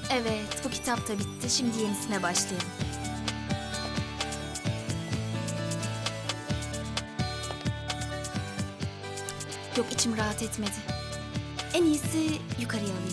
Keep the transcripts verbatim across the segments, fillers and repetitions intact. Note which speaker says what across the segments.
Speaker 1: Evet, bu kitap da bitti. Şimdi yenisine başlayalım. Yok, içim rahat etmedi. En iyisi yukarıya alayım.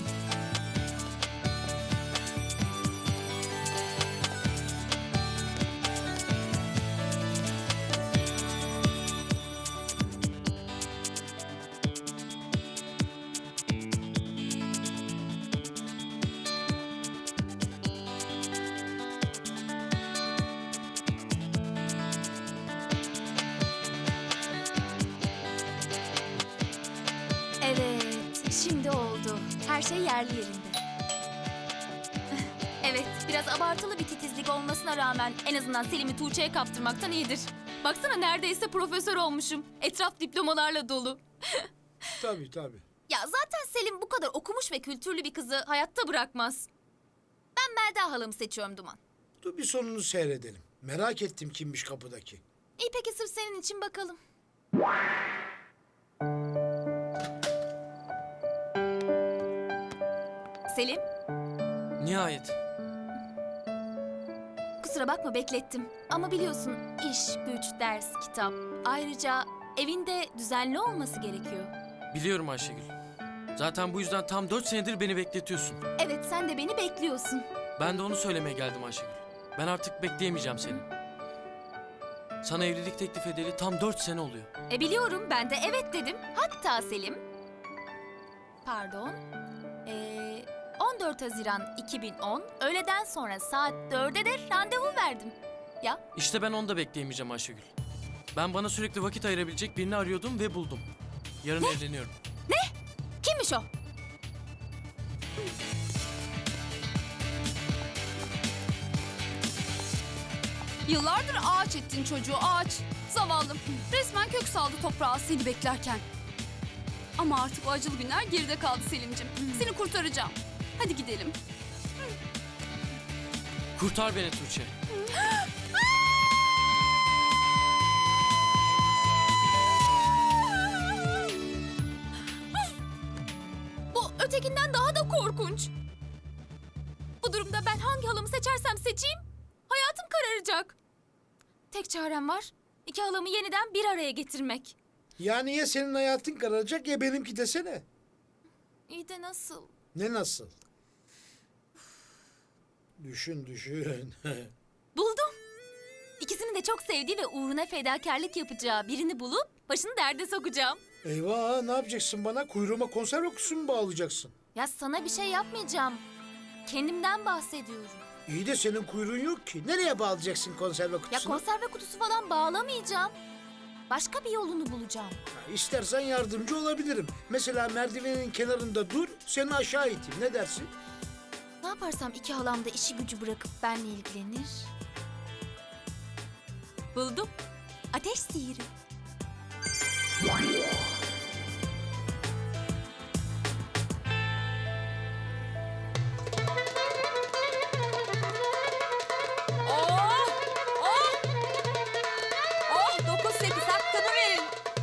Speaker 1: Evet, şimdi oldu. Her şey yerli yerinde. Evet, biraz abartılı bir titizlik olmasına rağmen en azından Selim'i Tuğçe'ye kaptırmaktan iyidir. Baksana neredeyse profesör olmuşum. Etraf diplomalarla dolu.
Speaker 2: Tabii tabii.
Speaker 1: Ya zaten Selim bu kadar okumuş ve kültürlü bir kızı hayatta bırakmaz. Ben Melda halamı seçiyorum Duman.
Speaker 2: Dur bir sonunu seyredelim. Merak ettim kimmiş kapıdaki.
Speaker 1: İyi peki sırf senin için bakalım. Selim,
Speaker 3: Nihayet.
Speaker 1: kusura bakma beklettim. Ama biliyorsun iş, güç, ders, kitap. Ayrıca evinde düzenli olması gerekiyor.
Speaker 3: Biliyorum Ayşegül. Zaten bu yüzden tam dört senedir beni bekletiyorsun.
Speaker 1: Evet, sen de beni bekliyorsun.
Speaker 3: Ben de onu söylemeye geldim Ayşegül. Ben artık bekleyemeyeceğim seni. Sana evlilik teklif edeli tam dört sene oluyor.
Speaker 1: E biliyorum, ben de evet dedim. Hatta Selim... Pardon. Ee, on dört Haziran iki bin on, öğleden sonra saat dörde de randevu verdim. Ya,
Speaker 3: İşte ben onu da bekleyemeyeceğim Ayşegül. Ben bana sürekli vakit ayırabilecek birini arıyordum ve buldum. Yarın evleniyorum.
Speaker 1: kimmiş o?
Speaker 4: Yıllardır ağaç ettin çocuğu, ağaç. Zavallım. Resmen kök saldı toprağa seni beklerken. Ama artık o acılı günler geride kaldı Selim'cim. Seni kurtaracağım. Hadi gidelim.
Speaker 3: Kurtar beni Tuğçe.
Speaker 1: Bu ötekinden daha da korkunç. Bu durumda ben hangi halamı seçersem seçeyim, hayatım kararacak. Tek çarem var, iki halamı yeniden bir araya getirmek.
Speaker 2: Yani ya senin hayatın kararacak ya benimki desene.
Speaker 1: İyi de nasıl?
Speaker 2: Ne nasıl? Düşün düşün.
Speaker 1: Buldum. İkisini de çok sevdiği ve uğruna fedakarlık yapacağı birini bulup başını derde sokacağım.
Speaker 2: Eyvah, ne yapacaksın bana? Kuyruğuma konserve kutusu mu bağlayacaksın?
Speaker 1: Ya sana bir şey yapmayacağım. Kendimden bahsediyorum.
Speaker 2: İyi de senin kuyruğun yok ki. Nereye bağlayacaksın konserve
Speaker 1: Ya
Speaker 2: kutusunu?
Speaker 1: konserve kutusu falan bağlamayacağım. Başka bir yolunu bulacağım.
Speaker 2: Ha, İstersen yardımcı olabilirim. Mesela merdivenin kenarında dur, seni aşağı iteyim. Ne dersin?
Speaker 1: Ne yaparsam iki halam da işi gücü bırakıp benimle ilgilenir? Buldum. Ateş sihiri.
Speaker 4: Oh! Oh! Oh! Dokuz sekiz hakkını verin.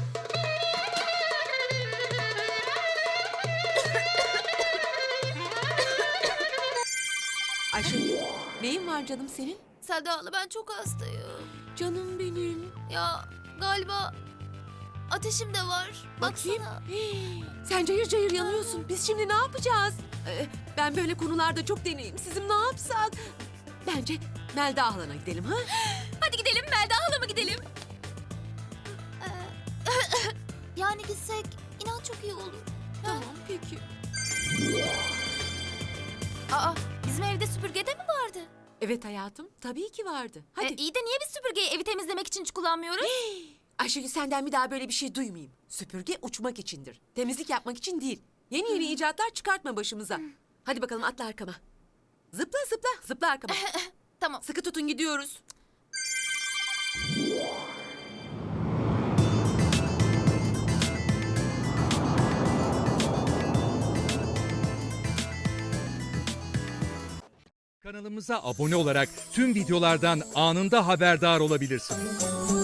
Speaker 5: Ayşegül, neyin var canım senin?
Speaker 1: Selda hala ben çok hastayım.
Speaker 5: Canım benim.
Speaker 1: Ya galiba ateşim de var.
Speaker 5: Bakayım.
Speaker 1: Baksana.
Speaker 5: Hii, sen cayır cayır yanıyorsun. Biz şimdi ne yapacağız? Ee, ben böyle konularda çok deneyimsizim. Ne yapsak? Bence Melda halana gidelim ha?
Speaker 1: Hadi gidelim Melda halama gidelim. Ee, yani gitsek inan çok iyi olur.
Speaker 5: Tamam peki.
Speaker 1: Aa, bizim evde süpürge de mi vardı?
Speaker 5: Evet hayatım, tabii ki vardı. Hadi.
Speaker 1: E, iyi de niye biz süpürgeyi evi temizlemek için hiç kullanmıyoruz?
Speaker 5: Ayşegül senden bir daha böyle bir şey duymayayım. Süpürge uçmak içindir. Temizlik yapmak için değil. Yeni yeni icatlar çıkartma başımıza. Hadi bakalım atla arkama. Zıpla zıpla, zıpla arkama.
Speaker 1: Tamam.
Speaker 5: Sıkı tutun gidiyoruz.
Speaker 6: Kanalımıza abone olarak tüm videolardan anında haberdar olabilirsiniz.